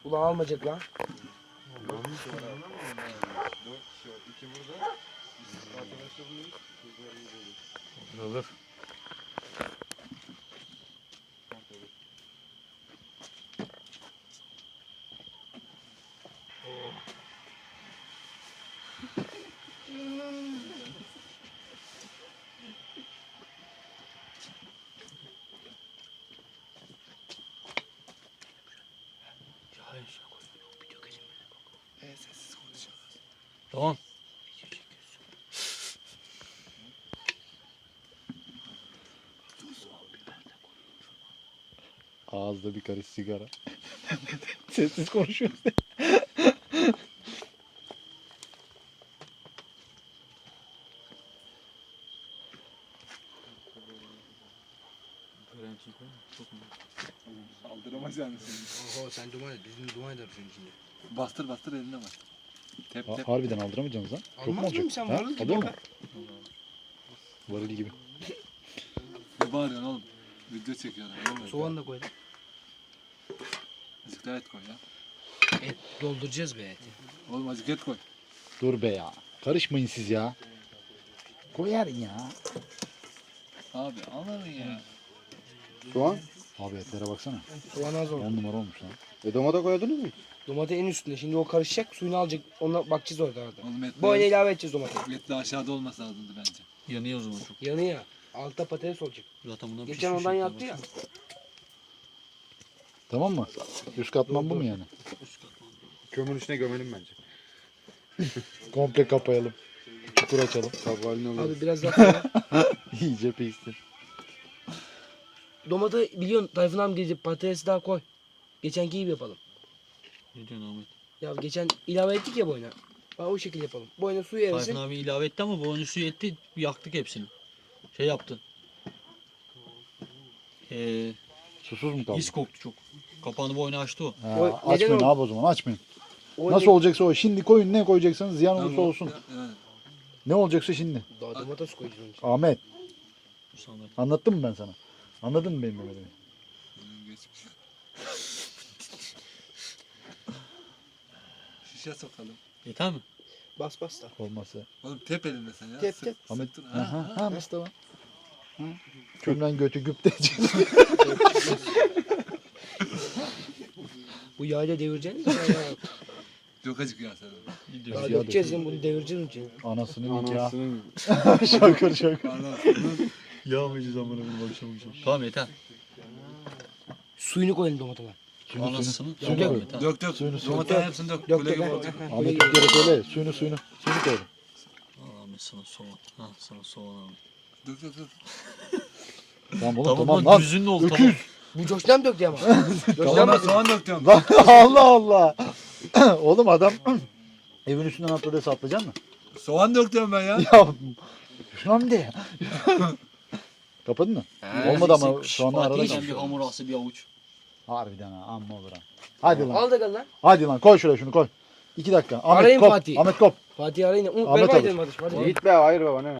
Ulan almayacak lan. Olur. Sessiz konuşuyoruz. Tamam. Ağızda bir karış sigara. Sessiz konuşuyoruz. Saldıramaz yani seni. Oho sen duman et. Bizim duman eder senin içinde. Bastır bastır eline bastır. Tep tep. Harbiden aldıramayacaksınız lan. Çok mu Almaz mıyım olacak? sen? Ha? Varıl gibi Alıyor mu? bak. Varıl gibi. Ne bağırıyorsun oğlum? Video çekiyorlar. Oğlum, Soğan da koydum. Azıcık daha et koy ya. Et dolduracağız be eti. Oğlum azıcık et koy. Dur be ya. Karışmayın siz ya. Koyarın ya. Abi anladın ya. Soğan. Abi etlere baksana. Soğan az oldu. 10 numara olmuş lan. Domates koydunuz mu? Domates en üstünde. Şimdi o karışacak. Suyunu alacak. Ona bakacağız orada. Oğlum et Bu oyuna ilave edeceğiz domatesi. et de aşağıda olması lazımdı bence. Yanıyor o zaman çok. Yanıyor. Altta patates olacak. Zaten bundan Geçen pişmiş ondan etler yaptı var. ya. Tamam mı? Üst katman bu mu yani? Kömürün içine gömelim bence. Komple kapayalım. Çukur açalım. Kabuk haline alırız. Abi biraz daha koy. İyice pişsin. Domates biliyorsun Tayfun abi gelecek. Patatesi daha koy. Geçenki gibi yapalım. Ne diyorsun Ahmet? Ya geçen ilave ettik ya bu oyuna. Bak o şekilde yapalım. Bu oyuna suyu Tayfun erisin. abi ilave etti ama bu oyunu suyu etti. Yaktık hepsini. Şey yaptı. Susuz mu kaldı? His koktu çok. Kapağını bu oyunu açtı o. O- Ha, neden açmayın o- abi o zaman açmayın. O Nasıl olacaksa o. Şimdi koyun, ne koyacaksanız ziyan olursa Tamam. olsun. Evet. Ne olacaksa şimdi. Daha domates koyacağız onun için. Ahmet, Mustafa. anlattım mı ben sana? Anladın mı benim Mehmet'imi? Geçmiş. Şişe sokalım. Yeter mi? Bas bas da. Olmazsa. Oğlum tep elinde sen ya. Tep, Sık- tep. Ahmet, sıktın. Ha. ha Mustafa. Ha. Kömlen götü güpte. Bu yağıyla devireceksin mi? Ya. Çok acık ya sen. Daha Yağ dökeceğiz yani bunu devireceğiz için. Anasının nikahı. Anasının Şakır şakır. Anasını. Yağmayacağız amına koyayım akşam akşam. Tamam yeter. Suyunu koyalım domatese. Anasını. Suyunu Tamam, koy. yeter. Dök dök. Suyunu, suyunu. Domatesin hepsini dök. Dök Kule dök. gibi ha, olacak. ha, ha, Ahmet böyle bir kere geliyor. söyle. Suyunu. Suyunu koydum. Al Ahmet sana soğan. Ha sana soğan abi. Dök dök dök. Tamam oğlum Tamam, tamam lan lan. düzünlü oldu Öküz. tamam. Bu coştan döktü ama. Coştan Oğlum ben döktü. soğan dök diyorum. Lan Allah Allah. Oğlum adam evin üstünden atladı atlayacak mı? Soğan dök diyorum ben ya. Ya şuna mı de? Kapadın mı? Ha, Olmadı ama Neyse, şu anda arada Fatih'den kalmış. bir hamur ası bir avuç. Harbiden ha amma olur ha. Hadi lan. Al da gel lan. Hadi lan koy şuraya şunu koy. 2 dakika. Ahmet Arayın kop. Fatih. Ahmet kop. Fatih arayın. Ahmet Ver abi. kaydedelim hadi. Yiğit be hayır be bana ne?